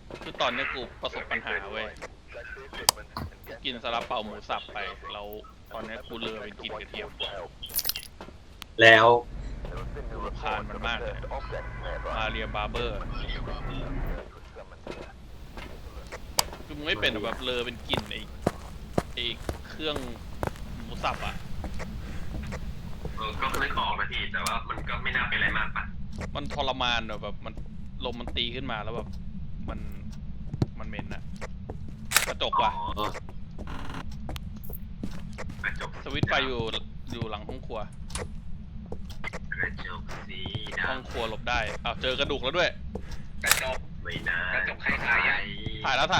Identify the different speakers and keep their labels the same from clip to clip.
Speaker 1: คือตอนนี้กูประสบปัญหาเว้ยกินซาลาเปาหมูสับไปแล้วตอนนี้กูเลอเป็นกินกระเทียม
Speaker 2: แล้ว
Speaker 1: กูรำคาญมันมากเลยมาเรียบาร์เบอร์คือมึงไม่เป็นแบบเลอเป็นกลิ่นไอเครื่องหมูสับอ่ะ
Speaker 2: ก็ไม่ออกนะพี่แต่ว่ามันก็ไม่น่าเป็นอะไรมากปะ
Speaker 1: มันทรมานแบบมันลมมันตีขึ้นมาแล้วแบบมันเหม็นอะกระจกว่ะสวิตช์ไฟอยู่หลังห้องครัว
Speaker 2: กระจกสีดำ
Speaker 1: ห้องครัวหลบได้อ้าวเจอกระดูกแล้วด้วย
Speaker 2: กระจกไม่น่ากระจกคล้ายๆ
Speaker 1: ถ่ายแล้ว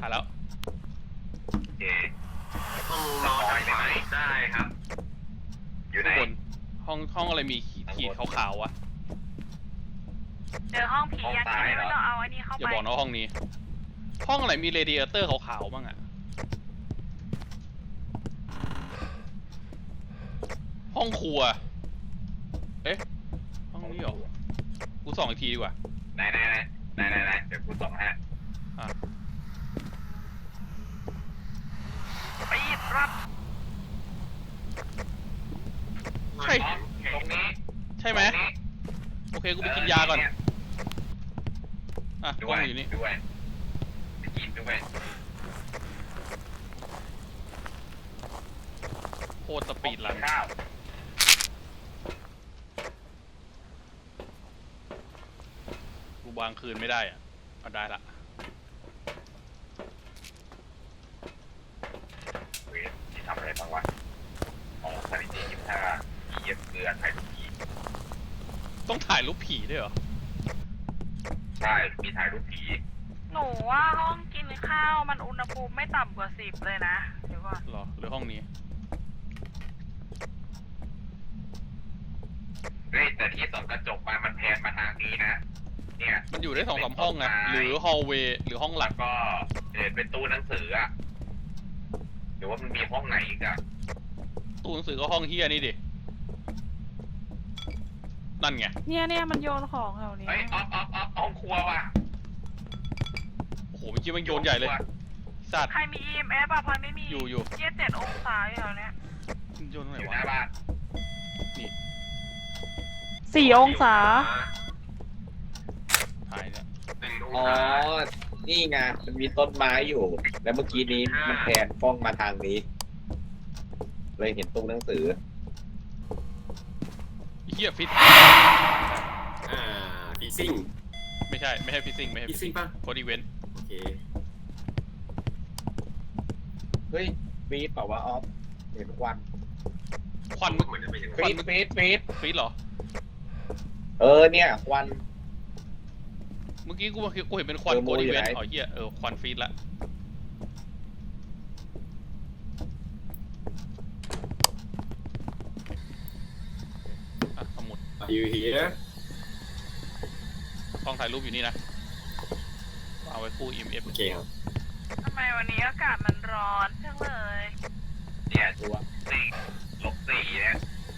Speaker 2: โอเคห้องนอนได้ไหมได้ครับอยู่ไหน
Speaker 1: ห้องอะไรมีขีดขาวๆวะ
Speaker 3: เจอห้องผีอยากกินไม่ต้องเอาอันนี้เข้าไป
Speaker 1: อย่าบอกนะห้องนี้ห้องอะไรมีเรดิเอเตอร์ขาวๆบ้างอะห้องครัวเอ๊ะห้องนี้เหรอกูส่องอีกทีดีกว่า
Speaker 2: ไหนเดี๋ยวกูส่องให้
Speaker 3: ไปหยิบรับ
Speaker 1: ใช่
Speaker 2: ตรงนี้
Speaker 1: ใช่ไหมโอเคกูไปกินยาก่อนกล้องอยู่นี่
Speaker 2: ด้วยไปกินด้วย
Speaker 1: โคตรสปีดลันกูวางคืนไม่ได้อะเอาได้ละ
Speaker 2: ที่ทำอะไรบ้างวะของสถิติ25เย็บเกลือถ่ายรูปผี
Speaker 1: ต้องถ่ายรูปผีด้วยเหรอ
Speaker 2: ใช่มีถ่ายรูปผี
Speaker 3: หนูว่าห้องกินข้าวมันอุณหภูมิไม่ต่ำกว่า10เลยนะเดี๋ยวก่อน
Speaker 1: หรอหรือห้องนี้
Speaker 2: แต่ที่ส่องกระจกมันแพนมาทางนี้นะเนี่ย
Speaker 1: มันอยู่ได้2-3ห้องไงหรือฮอลเวย์หรือห้องหลัก
Speaker 2: ก็เป็นตู้หนังสืออะหรือว่ามันมีห้องไหนอีกอะ
Speaker 1: ตู้หนังสือก็ห้องเฮียนี่ดินั่นไง
Speaker 3: เนี่ยมันโยนของแถวนี้
Speaker 2: เฮ้ยห้องครัวว่ะ
Speaker 1: โอ้โหเมื่อกี้มันโยนใหญ่เลยสัตว์
Speaker 3: ใครมี EMF อ่ะพอยไม่มี
Speaker 1: อยู่
Speaker 3: 7 องศาอยู่แถวนี้
Speaker 1: โยนตรงไหนวะ
Speaker 2: หน้าบ้าน
Speaker 1: นี่
Speaker 3: 4 องศา
Speaker 1: ถ่ายเนี่ย
Speaker 4: อ๋อ นี่ไง มันมีต้นไม้อยู่ แล้วเมื่อกี้นี้มันแพนกล้องมาทางนี้ เลยเห็นตู้หนังสือ
Speaker 1: เฮียฟิต
Speaker 2: ฟิซซิ่ง
Speaker 1: ไม่ใช่ฟิซซิ่งไม่ใช่
Speaker 2: ฟิซซิ่งป่ะ
Speaker 1: โคดอีเวนต์
Speaker 2: โอเค
Speaker 4: เฮ้ยฟีดเปล่าวะออฟเห็นควัน
Speaker 2: เหมือนจะเป็น
Speaker 4: ฟีด
Speaker 1: ฟีดเหรอ
Speaker 4: เนี่ยควัน
Speaker 1: เมื่อกี้กูเห็นเป็นควันโคดอีเวนต์อ๋อเฮียควันฟีดละสมุด
Speaker 2: อยู่ที่นี่
Speaker 1: กล้องถ่ายรูปอยู่นี่นะเอาไว้คู่ EMF
Speaker 2: โอเคครับ
Speaker 3: ทำไมวันนี้อากาศมันร้อนจังเลย
Speaker 2: เนี่ยตัว-4เนี่ย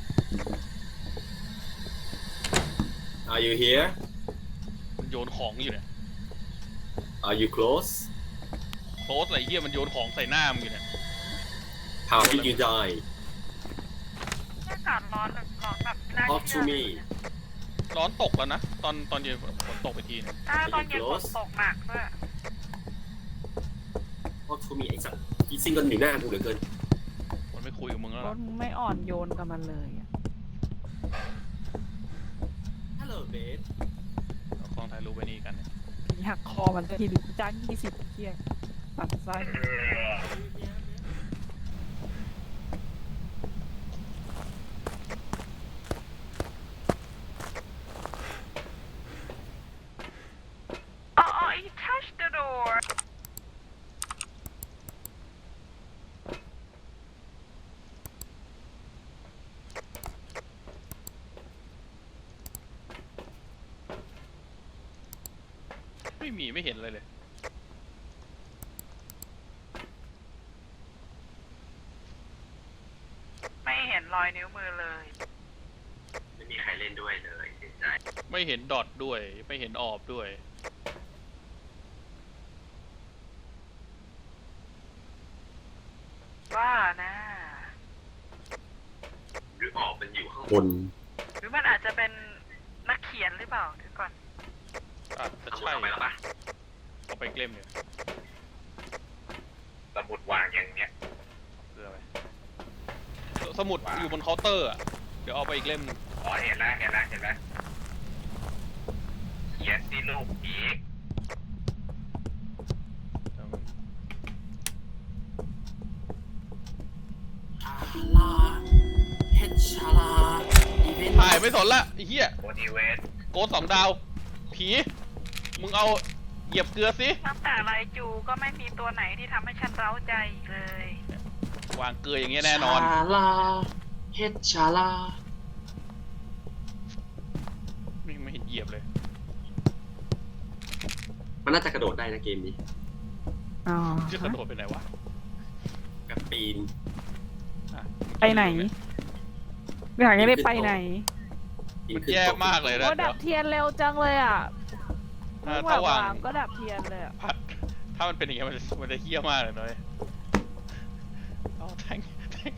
Speaker 2: Are you here
Speaker 1: มันโยนของอยู่เนี่ย
Speaker 2: Are you close
Speaker 1: อะไรเฮียมันโยนของใส่หน้ามึงอยู่เนี่ย
Speaker 2: How did you die
Speaker 3: อากาศร้อนแบบน่า
Speaker 2: Talk
Speaker 3: เชื่
Speaker 2: to
Speaker 3: อ
Speaker 2: me
Speaker 1: ร้อนตกแล้วนะตอนเย็นฝนตกไปทีนึง
Speaker 3: ตอนเย็นฝนตกหนักด้วย
Speaker 2: Talk to me ไอ้สัตว์ฟิซซิ่งกันอยู่หน้ากูเหลือเกิน
Speaker 1: มันไม่คุยกับมึงแล้ว
Speaker 3: รถมึงไม่อ่อนโยนกับมันเลยอ่ะ
Speaker 2: Hello babe
Speaker 1: เอากล้องถ่ายรูปไว้นี่กันเนี่ย
Speaker 3: หักคอมันทีจ้าง20เที่ยงตัดไส้you touched the door
Speaker 1: ไม่เห็นอะไรเลย
Speaker 3: ไม่เห็นรอยนิ้วมือเลย
Speaker 2: ไม่มีใครเล่นด้วยเลยเสียใจ
Speaker 1: ไม่เห็นดอทด้วยไม่เห็นออบด้วย
Speaker 3: ว่านะ
Speaker 2: หรือออกเป็นอยู่ข้าง
Speaker 5: คน
Speaker 3: หรือมันอาจจะเป็นนักเขียนหรือเปล่าเดี๋ยวก่อน
Speaker 1: อาจจะ
Speaker 2: สมุด
Speaker 1: ใช่
Speaker 2: เอาไปแล้วปะ
Speaker 1: เอาไปเล่มเนี่ย
Speaker 2: สมุดวางอย่างเนี้ย
Speaker 1: เกลือไปสมุดอยู่บนเคาน์เตอร์อะเดี๋ยวเอาไปอีกเล่มหนึ่ง
Speaker 2: อ๋อเห็นแล้วเขียนที่ลูกผี
Speaker 5: ลาเฮดชาลาอีเวนต์
Speaker 1: ถ่ายไม่สนละไอ้เหี้ย
Speaker 2: โมดิเวส
Speaker 1: โกด2 ดาว ผี มึงเอาเหยียบเกลือสิ
Speaker 3: ตั้งแต่ไรจูก็ไม่มีตัวไหนที่ทำให้ฉันเร้าใจอีกเลย
Speaker 1: วางเกลืออย่างเงี้ยแน่นอน
Speaker 5: ชาลาเฮดชาลา
Speaker 1: ไม่เห็นเหยียบเลย
Speaker 5: มันน่าจะกระโดดได้นะเกมนี้
Speaker 3: อ๋อ
Speaker 1: จะกระโดดไปไหนวะ
Speaker 5: กับปีน
Speaker 1: อ่ะ
Speaker 3: ไปไหนอยากจะได้ไปไหน
Speaker 5: ปี
Speaker 1: มัน
Speaker 5: ขึ้น
Speaker 1: แย่
Speaker 5: โต๊ะ
Speaker 1: มากเลยนะ
Speaker 3: โอ้ดับเทียนเร็วจังเลยอ่ะ
Speaker 1: ถ้าวาง
Speaker 3: ก็ดับเทียนเลยอ่ะ
Speaker 1: ถ้ามันเป็นอย่างเงี้ยมันจะเฮี้ยมากเลยน้อยเอาแทง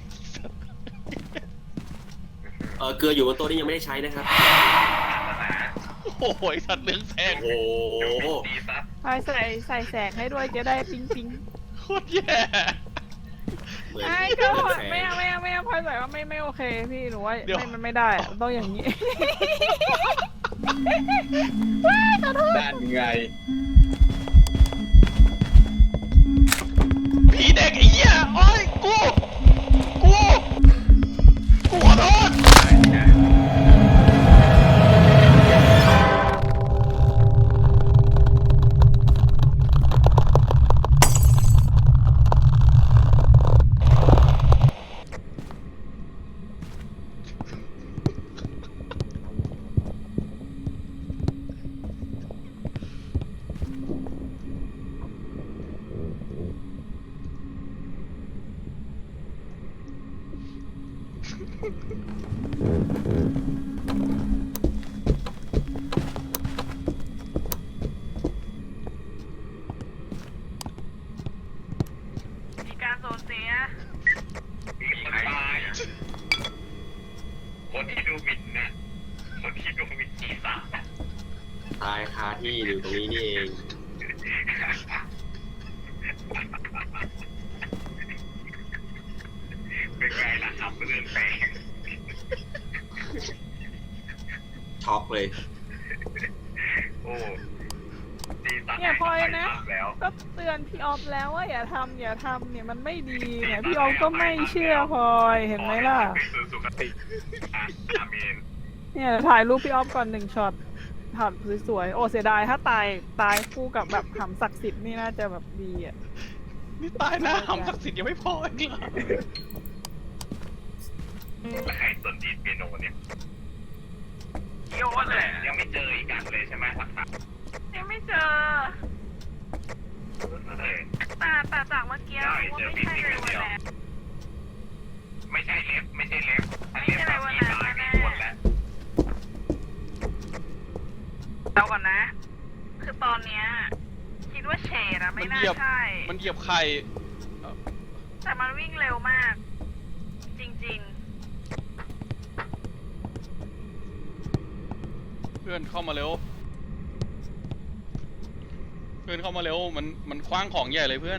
Speaker 5: เกลืออยู่บนโต๊ะนี่ยังไม่ได้ใช้นะครับ
Speaker 1: โอ้โหไอ้สัตว์เลื้องแสง
Speaker 5: โอ้โห
Speaker 2: ดีซับ
Speaker 3: พลอยใส่แสงให้ด้วยจะได้ปิ๊งปิ๊ง
Speaker 1: โคตรแย่
Speaker 5: เหมือน
Speaker 3: ไอ้
Speaker 5: เรื่
Speaker 3: ก็
Speaker 5: องแสง
Speaker 3: ไม่เอาพลอยใส่ว่าไม่โอเคพี่หนูว่ามันไม่ได้อะต้องอย่างนี้
Speaker 4: ด้านไง
Speaker 1: ผีเด็กไอ้เหี้ยโอ้ยกูขอโทษ
Speaker 3: มีการสูญเสีย
Speaker 2: มีใครตายคนที่ดูหมิ่นน่ะคนที่ดูหมิ่นศีรษะ
Speaker 5: ตายคาที่อยู่ตรงนี้นี่เอง
Speaker 2: เป็นไงล่ะครับเรื่องแปลก
Speaker 5: ช็อกเลย
Speaker 2: โอ้ศีรษะ
Speaker 3: เนี่ยพลอยนะ
Speaker 2: แล้ว
Speaker 3: ก็เตือนพี่ออฟแล้วว่าอย่าทำเนี่ยมันไม่ดีเนี่ยพี่ออฟก็ไม่เชื่อพลอยเห็นไหมล่ะ
Speaker 2: ไปสู่สุคติอ่ะอาเมน
Speaker 3: เนี่ยถ่ายรูปพี่ออฟก่อน1 ช็อตถ่ายสวยๆโอ้เสียดายถ้าตายคู่กับแบบหำศักดิ์สิทธิ์นี่น่าจะแบบดีอ่ะ
Speaker 1: นี่ตายหน้าหำศักดิ์สิทธิ์ยังไม่พออีกเหรอ
Speaker 2: แล้วใครสนดีดเปียโนเนี่ยโยนเลยยังไม่เจออีกกันเลยใช่ไหมหลักฐาน
Speaker 3: ยังไม่เจอ
Speaker 2: เลย
Speaker 3: แต่จากเมื่อกี้ว่าไม่ใช่เลยวันแรก
Speaker 2: ไม่ใช่เล็บถ้าเล็บแบบนี้ตายไม่ควรแล้ว
Speaker 3: เดี๋ยวก่อนนะ คือตอนเนี้ยคิดว่าเฉดอะไม่น่าใช่
Speaker 1: มันเหยียบไข่
Speaker 3: แต่มันวิ่งเร็วมาก จริง
Speaker 1: เพื่อนเข้ามาเร็ว มันคว้างของใหญ่เลยเพื่อน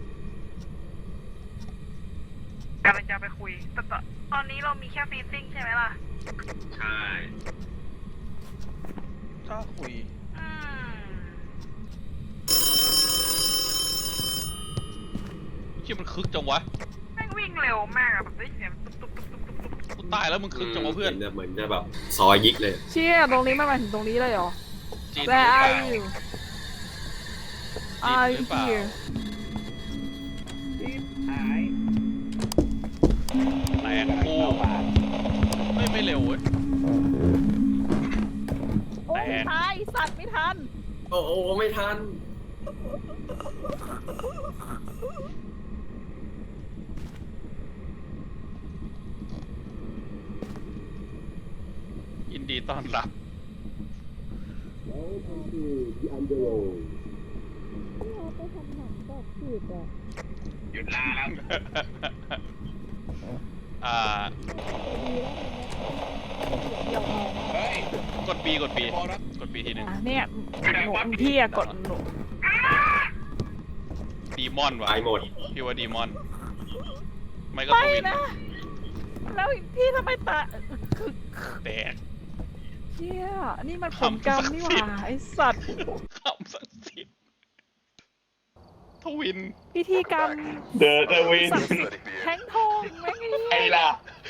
Speaker 3: ๆกำลังจะไปคุยแต่ตอนนี้เรามีแค่ฟีซิ่งใช่ไหมล่ะ
Speaker 2: ใช่
Speaker 1: ถ้าคุย
Speaker 3: อืม
Speaker 1: ที่มันคึกจังวะ
Speaker 3: แม่งวิ่งเร็วมากอะแบบได้เสียงตุ๊บตุ๊บตุ๊บตุ๊บตุ๊บตุ๊บ
Speaker 1: กูตายแล้วมึงคึกจังวะเพื่อน
Speaker 5: เหมือนจะแบบซอยยิกเลย
Speaker 3: เชี่ยตรงนี้มันมาถึงตรงนี้เลยเหรอ
Speaker 1: จีน
Speaker 3: Where
Speaker 1: หรือเป
Speaker 3: are
Speaker 1: ล่า
Speaker 3: you
Speaker 1: จีน
Speaker 3: Are
Speaker 1: ห
Speaker 3: you
Speaker 1: รือเปล่า
Speaker 3: here
Speaker 1: แตกคู่ไม่เร็วเว้ย
Speaker 3: โอ้ไม่ตายสัตว์ไม่ทัน
Speaker 5: โอ้โหไม่ทัน
Speaker 1: ยินดีต้อนรับ
Speaker 2: หยุดลาแล้ว
Speaker 1: อ่า
Speaker 3: เดี๋ยว
Speaker 4: เฮ้ย
Speaker 1: กด B กด B กด B ทีหนึ่ง
Speaker 3: อ่ะเนี่ยหนูพี่อะกดหนู
Speaker 1: ดีมอนวะ
Speaker 6: ตายหมด
Speaker 1: พี่ว่าดีมอน ไม่ก็
Speaker 3: ไม่
Speaker 1: ทวิน
Speaker 3: นะ แล้วพี่ทำไมตา
Speaker 1: แตก
Speaker 3: เชี่ยนี่มันผลกรรมนี่หว่าไอสัตว์
Speaker 1: คำศักดิ์สิทธิ์ทวิน
Speaker 3: พิธีกรรม
Speaker 4: เดอะวิน
Speaker 3: ศักดิ์สิทธิ์แทงทองแม่ง
Speaker 4: ไอ้ล่ะ